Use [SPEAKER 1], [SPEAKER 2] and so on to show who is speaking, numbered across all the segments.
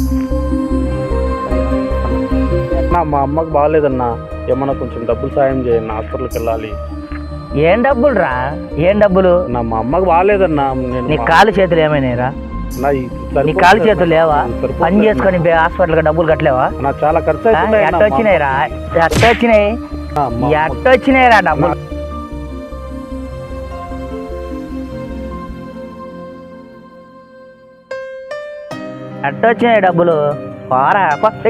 [SPEAKER 1] మా అమ్మకి బాగాలేదన్నా, ఏమన్నా కొంచెం డబ్బులు సాయం చేయండి, హాస్పిటల్కి వెళ్ళాలి.
[SPEAKER 2] ఏం డబ్బులు రా? ఏం డబ్బులు?
[SPEAKER 1] మా అమ్మకి బాగాలేదన్నా.
[SPEAKER 2] నీ కాలు చేతులు ఏమైనాయిరా? నీ కాలు చేతులు లేవా? పని చేసుకొని హాస్పిటల్కి డబ్బులు కట్టలేవా?
[SPEAKER 1] నాకు చాలా ఖర్చు
[SPEAKER 2] ఎట్ట వచ్చినాయిరా? ఎట్టొచ్చినాయిరా డబ్బులు? ఎట్టొచ్చినాయి డబ్బులు? పారా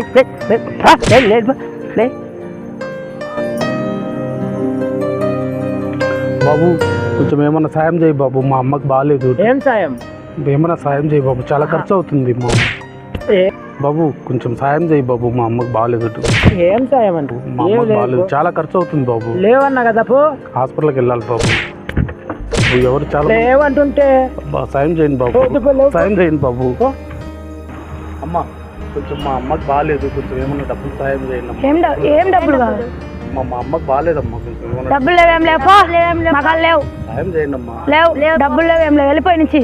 [SPEAKER 1] బాబు, కొంచెం ఏమన్నా సాయం చేయి బాబు, మా అమ్మకి బాగాలేదు.
[SPEAKER 2] ఏం సాయం?
[SPEAKER 1] ఏమన్నా సాయం చేయి బాబు, చాలా ఖర్చు అవుతుంది మా బాబు. కొంచెం సాయం చేయి బాబు, మా అమ్మకి బాగాలేదు.
[SPEAKER 2] ఏం సాయం అంటూ?
[SPEAKER 1] మా అమ్మకి బాగాలేదు, చాలా ఖర్చు అవుతుంది బాబు.
[SPEAKER 2] లేవన్నా కదా,
[SPEAKER 1] హాస్పిటల్కి వెళ్ళాలి బాబు. ఎవరు చాలా
[SPEAKER 2] లేవంటుంటే
[SPEAKER 1] సాయం చేయండి బాబు, సాయం చేయండి బాబు. అమ్మ, కొంచెం మా అమ్మకి బాగాలేదు, కొంచెం ఏమన్నా డబ్బులు సాయం చేయండి.
[SPEAKER 3] ఏం డబ్బులు కావాలి?
[SPEAKER 1] మా అమ్మకి బాగాలేదమ్మా, కొంచెం
[SPEAKER 3] డబ్బులు లేవేం లేవు, లేవు
[SPEAKER 1] సాయం చేయండి అమ్మా.
[SPEAKER 3] లేవు డబ్బులు లేవేం లేవు, వెళ్ళిపోయి నుంచి.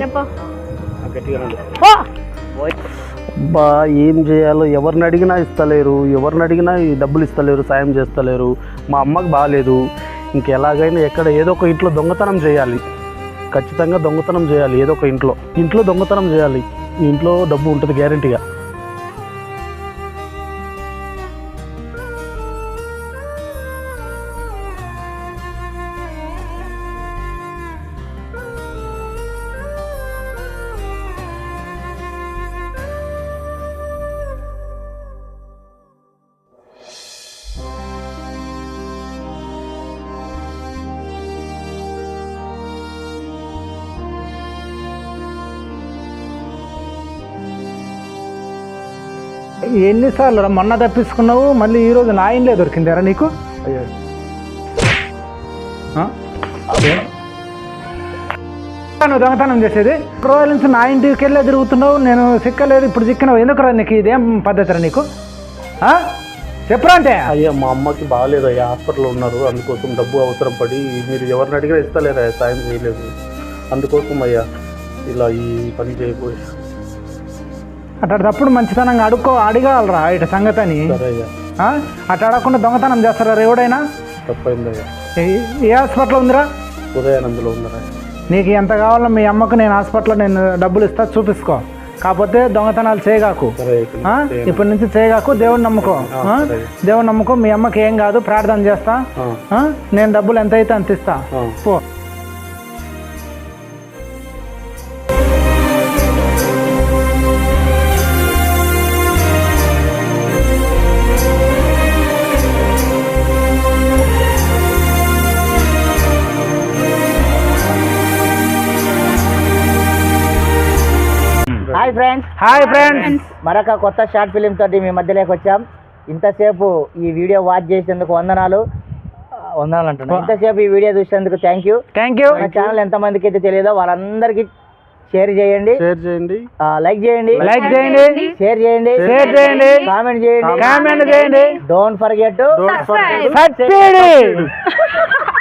[SPEAKER 1] బా, ఏం చేయాలో ఎవరిని అడిగినా ఇస్తలేరు, ఎవరిని అడిగినా ఈ డబ్బులు ఇస్తలేరు, సాయం చేస్తలేరు. మా అమ్మకి బాగాలేదు, ఇంకెలాగైనా ఎక్కడ ఏదో ఒక ఇంట్లో దొంగతనం చేయాలి, ఖచ్చితంగా దొంగతనం చేయాలి. ఏదో ఒక ఇంట్లో దొంగతనం చేయాలి. ఇంట్లో డబ్బు ఉంటుంది గ్యారెంటీగా.
[SPEAKER 4] ఎన్నిసార్లు రా మొన్న తప్పించుకున్నావు, మళ్ళీ ఈరోజు నా ఇంట్లో దొరికిందారా నీకు? నువ్వు దొంగతనం చేసేది రోజుల నుంచి నా ఇంటికి వెళ్ళే తిరుగుతున్నావు, నేను సిక్కలేదు, ఇప్పుడు చిక్కినావు. ఎందుకురా నీకు? ఇదేం పద్ధతిరా నీకు? చెప్పురా అంటే.
[SPEAKER 1] అయ్యా, మా అమ్మకి బాగాలేదు అయ్యా, హాస్పిటల్లో ఉన్నారు, అందుకోసం డబ్బు అవసరం పడి మీరు ఎవరిని అడిగినా ఇస్తలేరా, సాయం చేయలేదు, అందుకోసం అయ్యా ఇలా ఈ పని చేయబోయే.
[SPEAKER 4] అట్లాంటప్పుడు మంచితనంగా అడగాలరా ఇటు సంగతని. అట్లా అడగకుండా దొంగతనం చేస్తారా ఎవడైనా?
[SPEAKER 1] తప్పైందయ్యా.
[SPEAKER 4] ఏ హాస్పిటల్ ఉందిరా?
[SPEAKER 1] ఉదయానందులో ఉందిరా.
[SPEAKER 4] నీకు ఎంత కావాలో మీ అమ్మకు నేను హాస్పిటల్లో నేను డబ్బులు ఇస్తా, చూపిసుకో. కాకపోతే దొంగతనాలు చేయగాకు, ఇప్పటి నుంచి చేయగాకు. దేవుడిని నమ్ముకో, దేవుడిని నమ్ముకో. మీ అమ్మకి ఏం కాదు, ప్రార్థన చేస్తా. నేను డబ్బులు ఎంత అయితే అంత ఇస్తా, పో.
[SPEAKER 2] హాయ్ ఫ్రెండ్స్, మరొక కొత్త షార్ట్ ఫిలిం తోటి మీ మధ్యలోకి వచ్చాం. ఇంతసేపు ఈ వీడియో వాచ్ చేసేందుకు వందనాలు అంటున్నాను. ఇంతసేపు ఈ వీడియో చూసేందుకు థ్యాంక్ యూ. మన ఛానల్ ఎంతమందికి అయితే తెలియదో వాళ్ళందరికీ షేర్ చేయండి, లైక్ చేయండి, షేర్ చేయండి, కామెంట్ చేయండి. Don't forget to subscribe.